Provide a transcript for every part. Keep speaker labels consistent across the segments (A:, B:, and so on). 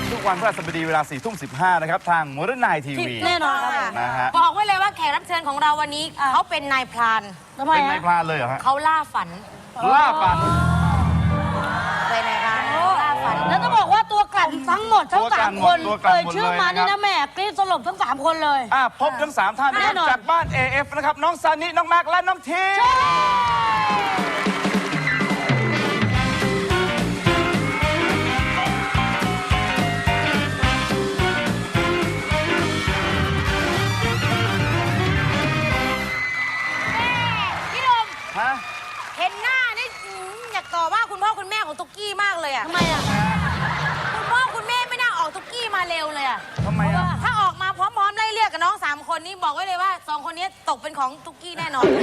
A: นะครับทุกวันพฤหัสบดีเวลา4:15นะครับทางModern Night TV
B: แน่นอนครับ
A: นะฮะ
C: บอกไว้เลยว่าแขกรับเชิญของเราวันนี้เขาเป็นนายพราน
B: ทำไม
A: เป็น
B: ฮะ
A: นายพรานเลยเหรอฮะ
C: เขาล่าฝัน
A: ล่าฝัน
C: เป็นนายพรานล่าฝัน
B: แล้วต้องบอกว่าตัวกลั่นทั้งหมดทั้ง
A: ตัวกลั่น
B: 3 คน
A: หมดตัวกลั่น
B: เอ่ย
A: หมด
B: ชื่อ
A: เลย
B: มานี่
A: นะครับ
B: นะแม่กรี๊ดสลบทั้ง 3 คนเลย
A: พบทั้ง3ท่านนะค
B: แน่
A: รับ
B: นอน
A: จากบ้าน AF นะครับน้องซานิน้องแม็กและน้องที
C: พี่ดม
A: ฮะ
C: เห็นหน้านี่อยากต่อว่าคุณพ่อคุณแม่ของตุ๊กกี้มากเลยอ่ะ
B: ทำไมอ่ะ
C: คุณพ่อคุณแม่ไม่น่าออกตุ๊กกี้มาเร็วเลยอ่ะ
A: ทำไมอ่ะ
C: ถ้าออกมาพร้อมๆไล่เรียกกับน้อง3 คนนี้บอกไว้เลยว่า2 คนนี้ตกเป็นของตุ๊กกี้แน่นอน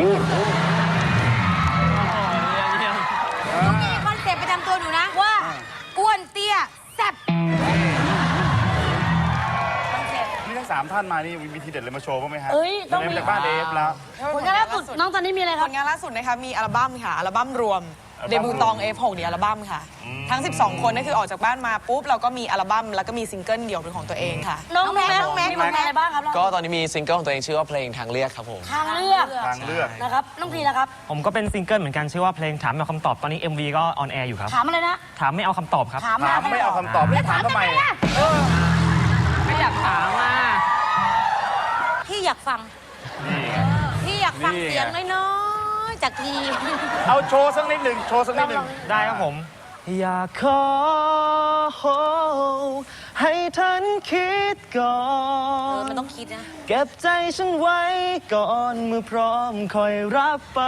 C: ตุ๊กกี้คอนเซ็ปต์ประจำตัวหนูนะว่าอ้วนเตี้ยแซ่บคอนเซ็ปต์
A: นี่ทั้ง3ท่านมานี่มีทีเด็ดเลยมาโชว์บ้างไหมฮะ
B: เอ้ยต้องมี
A: เริ่มจากบ้าน AF แล้ว
B: ผลงานล่าสุดน้องตอนนี้มีอะไรค
D: ผ
B: รับ
D: ลงานล่าสุดนะคะมีอัลบั้มค่ะอัลบั้มรวม
A: อัลบั้ม
D: เดบิวตอง F6 เนี่ยอัลบั้มค่ะ ทั้ง 12 คนนั่นคือออกจากบ้านมาปุ๊บเราก็มีอัลบั้มแล้วก็มีซิงเกิลเดี่ยวเป็นของตัวเองค่ะ
B: น้องแม็กมีผลงานอะไรบ้างครับ
E: ก็ตอนนี้มีซิงเกิลของตัวเองชื่อว่าเพลงทางเลือกครับผม
B: ทางเลือก
A: ทางเลือก
B: นะครับน้องพีนะครับ
F: ผมก็เป็นซิงเกิลเหมือนกันชื่อว่าเพลงถามไม่เอาคำตอบตอนนี้ MV ก็ออนแอร์อยู่ครับ
B: ถามอะไรนะ
F: ถามไม่เอาคำตอบครับ
B: ถาม
A: ถามไม่เอาคำตอบไม่ถามทำไม
F: ไม่อยากถามอ่ะ
C: พี่อยากฟัง
A: นี่ไง
C: พี่อยากฟัง
A: นี่ไง
C: เสียงน้อยๆจากที
A: เอาโชว์สักนิดหนึ่งโชว์สักนิดหนึ่ง
F: ได้ครับผม อยากขอให้ท่านคิดก่อน
C: มันต้องคิดนะ
F: เก็บใจฉันไว้ก่อนเมื่อพร้อมคอยรับไป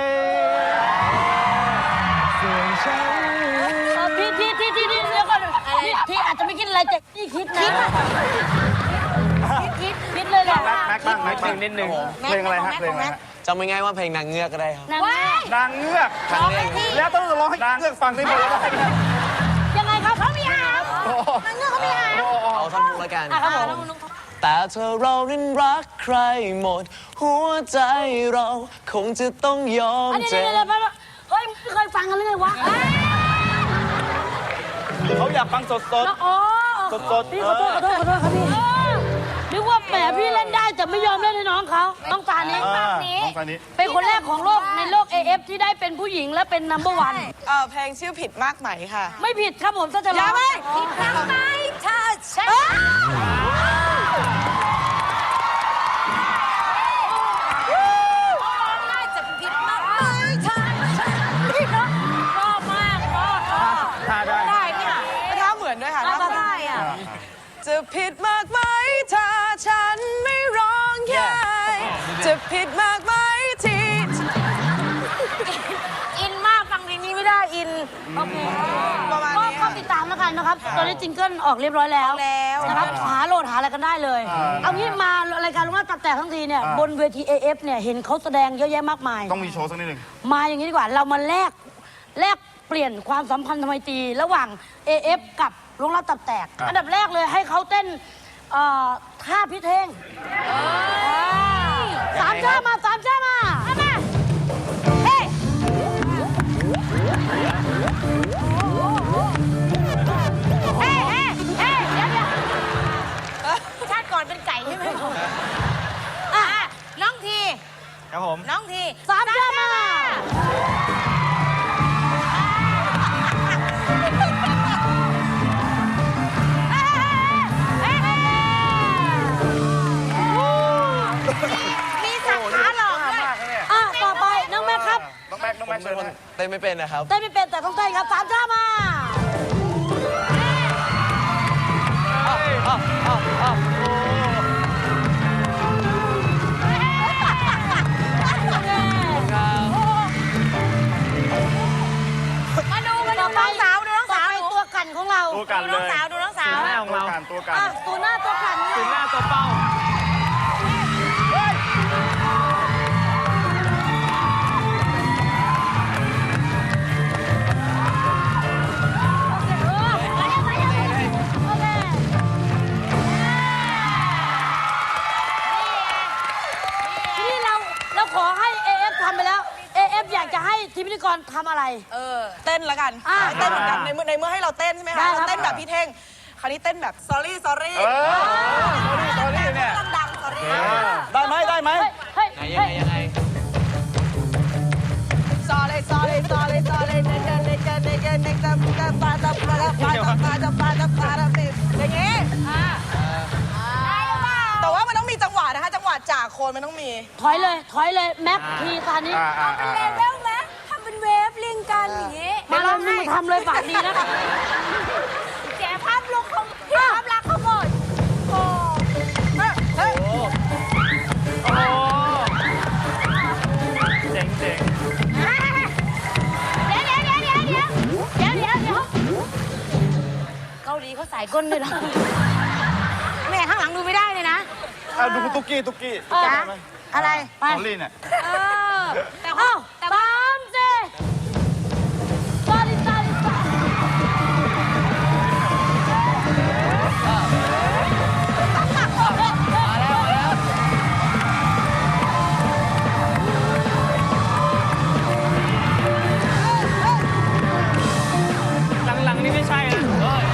F: ส่วนฉัน
B: พี่เดี๋ยวก่อนพี่อาจจะไม่คิดอะไรแต่พี่คิดนะคิดเลยแหละ
A: แม็กบ้างแม็กบ้าง
F: นิดนึง
A: เพลงอะไรฮะเพลงอะไรฮะ
E: จำง่ายๆว่าเพลงนางเงือกก็ได้ครับ
B: นาง
C: ว้าย
A: นางเงือก
C: ร้องให้พี่
A: แล้วต้องร้องให้นางเงือกฟังได้ไหมว่าได้ไหม
B: ยังไงครับ
C: เขามีหางนางเงือกเขามีหาง
E: เอาท่อนพุกแล้วกัน
B: ครับผม
C: น้อง
E: แต่เธอเรานั้นรักใครหมด หัวใจเราคงจะต้องยอม
B: อันนี้
E: เจ็บ
B: เดี๋ยวเฮ้ยไม่เคยฟังกันเลยไงวะ
A: เขาอยากฟังสด
B: อ๋อ
A: สดๆ
B: พี่ขอโทษครับพี่นึกว่าแหมพี่เล่นได้แต่ไม่ยอมเล่นให้น้องเขาต้องตานี้
A: น้องซานิ
B: เป็นคนแรกของโลกในโลก AF ที่ได้เป็นผู้หญิงและเป็นนัมเบอร์วัน
D: เพลงชื่อผิดมากไหมค่ะ
B: ไม่ผิดครับผมถ้าจะร้อง
C: ผิดทางไหมเธอใช่ น่าจะผิดมากเลยเธอชอบมากชอบ
A: ท่าได้
C: ได้เนี่ย
D: ท่าเหมือนด้วยค่ะ
C: น่า
D: ท่าเหมือน
C: ได้อ่ะ
D: จะผิดมากไหมถ้าฉันไม่ร้องไห้จะผิดมากไหมที่
C: อินมากฟังเพลงนี้ไม่ได้อิน
B: โอเค
D: ประมาณ
B: ก็
D: นี้
B: เข้าติดตามแล้วกันนะครับ ตอนนี้จิงเกิลออกเรียบร้อยแล้ว นะครับหาโหลดหาอะไรกันได้เลย เอางี้มารายการลุงว่าตับแตกทั้งทีเนี่ยบนเวที AF เนี่ยเห็นเขาแสดงเยอะแยะมากมาย
A: ต้องมีโชว์สักนิดหนึ่ง
B: มาอย่างนี้ดีกว่าเรามาแลกเปลี่ยนความสัมพันธ์ทำไมตรีระหว่าง AF กับลุงรับตับแตก อันดับแรกเลยให้เขาเต้นท่าพิเทงสามชามาเฮ้
C: ชาติก่อนเป็นไก่ใช่ไหมน้องที
F: ครับผม
C: น้องที
B: สามชามา
C: มีสักขาหลอกด้วย
B: ต่อไปน้องแม็กครับ
A: น้องแม็กเชิญนะ
E: เต้นไม่เป็นนะครับ
B: เต้นไม่เป็นแต่ต้องเต้นครับสามชามา
C: มาดูน้องสาวดูน้องสาว
B: ต่อไปตัวกันของเรา
A: ตัวกัน
C: ดู
A: เล
C: น้อง
A: ย
C: สาวดูน้องสาว
F: หน้าของเรา
A: ตัวกัน
B: ตัวหน้าตัวกัน
F: ถึงหน้าตัวเป้า
B: ทีนี้เราขอให้ AF ทำไปแล้ว AF อยากจะให้ทีมพิธีกรทำอะไร
D: เต้นละกัน
B: อ่า
D: เต้นเหมือนกันในเมื่อให้เราเต้นใช่ไหม
B: ได้
D: คะ
B: ครับ
D: เราเต้นแบบพี่เท่งคราวนี้เต้นแบบ sorry sorry
A: ตอนนี้เนี่ย
D: ดังๆ sorry
F: ได้ไหมได้ไหม
B: เฮ้ย
E: ยังไง
D: sorry sorry sorry sorry อย่างงี้แต่ว่ามันต้องมีจังหวะนะคะ จังหวะจากโคนมันต้องมี
B: ถอยเลยแม็กทีตอนนี้
C: เป็นเลเวลไหมทำเป็นเวฟเรียงกันอย่างงี้
B: มาเลยมึงมาทำเลยปากดีนะ
C: เสียภาพลุกของภาพลักษณ์เขาหมดโอ้
D: เฮ้ย
F: เจ๋ง
C: เดี๋ยวเกาหลีเขาสายก้นด้วยนะแม่ข้างหลังดูไม่ได้เลยนะ
A: ดูตุ๊กกี้ได้ไหม
B: อะไรไป
A: ตอรี่เนี่ย
C: แต่
B: เอ้า
C: แต่
B: ตามสิตาดิ
F: หลังๆนี่ไม่ใช่นะเฮ้ย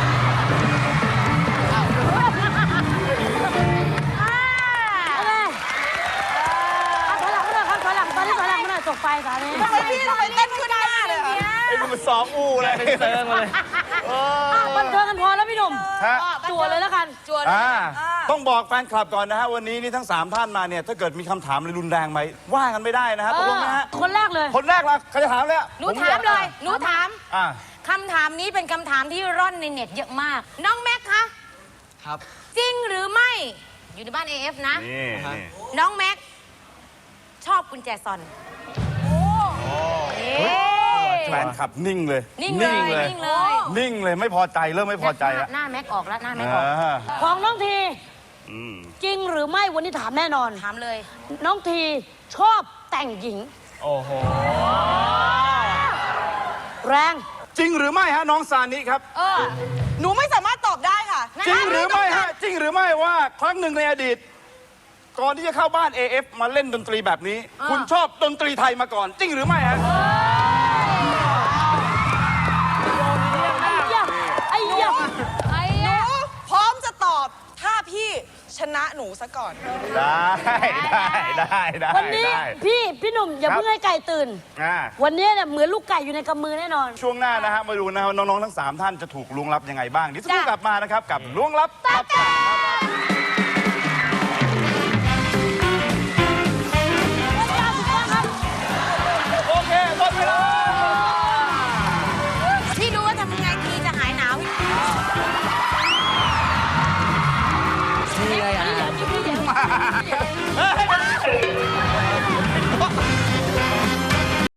B: ถอยหลังมาหน่อยครับถอยหลังตอนนี้ถอยหลังมาหน่อยตกไฟสามี
D: ทำไมพี่ทำไมเต้นขึ้นหน้าเลยอะ
A: ไอ้มึงมันซ้อมอู้เลย
F: เป็นเซิร์งมาเลย
B: บันเทิงกันพอแล้วพี่หนุ่ม
A: ฮะ
B: จั่วเลยแล้วกัน
D: จวนเลย
A: ต้องบอกแฟนคลับก่อนนะฮะวันนี้นี่ทั้ง 3 ท่านมาเนี่ยถ้าเกิดมีคำถามอะไรรุนแรงไหมว่ากันไม่ได้นะฮะตกลงนะฮะ
B: คนแรกเลย
A: คนแรกละใครจะถามเลย
C: หนูถามเลย หนูถาม
A: อ่า
C: คำถามนี้เป็นคำถามที่ร่อนในเน็ตเยอะมาก น้องแม็กคะ
E: ครับ
C: จริงหรือไม่ อยู่ในบ้าน AF นะ
A: นี่
C: น้องแม็ก ชอบกุญแจซอนเอ๊ะ
A: แฟนคลับนิ่งเลย
C: นิ่งเลยนิ่งเลย
A: นิ่งเลยไม่พอใจเริ่มไม่พอใจแล้ว
C: หน้าแม็กออกแล้วหน้าแม็กออก
B: ของน้องที
A: อืม
B: จริงหรือไม่วันนี้ถามแน่นอน
C: ถามเลย
B: น้องทีชอบแต่งหญิง
F: โอ้โห
B: แรง
A: จริงหรือไม่ฮะน้องซานิครับ
D: หนูไม่สามารถตอบได้ค่ะ
A: จริงหรือไม่ฮะจริงหรือไม่ว่าครั้งหนึ่งในอดีต ก่อนที่จะเข้าบ้าน AF มาเล่นดนตรีแบบนี้ คุณชอบดนตรีไทยมาก่อน จริงหรือไม่ฮะ
B: ไอ้ยะ
D: หนูพร้อมจะตอบถ้าพี่ชนะหนูซะก่อน
A: ได้
B: วันนี้พี่หนุ่มอย่า
A: ครับ
B: เพิ่งให้ไก่ตื่น
A: อ่า
B: วันนี้เนี่ยเหมือนลูกไก่อยู่ในกำมือแน่นอน
A: ช่วงหน้านะฮะมาดูนะฮะน้องๆทั้ง 3 ท่านจะถูกล้วงลับยังไงบ้างเดี๋ยวจะกลับมานะครับกับล้วงลับตับแตกโอเคหมดเวลา
C: พี่รู้ว่าทำยังไงทีจะหายหนาว
E: นี่ไงอ่ะ
A: เฮ้ย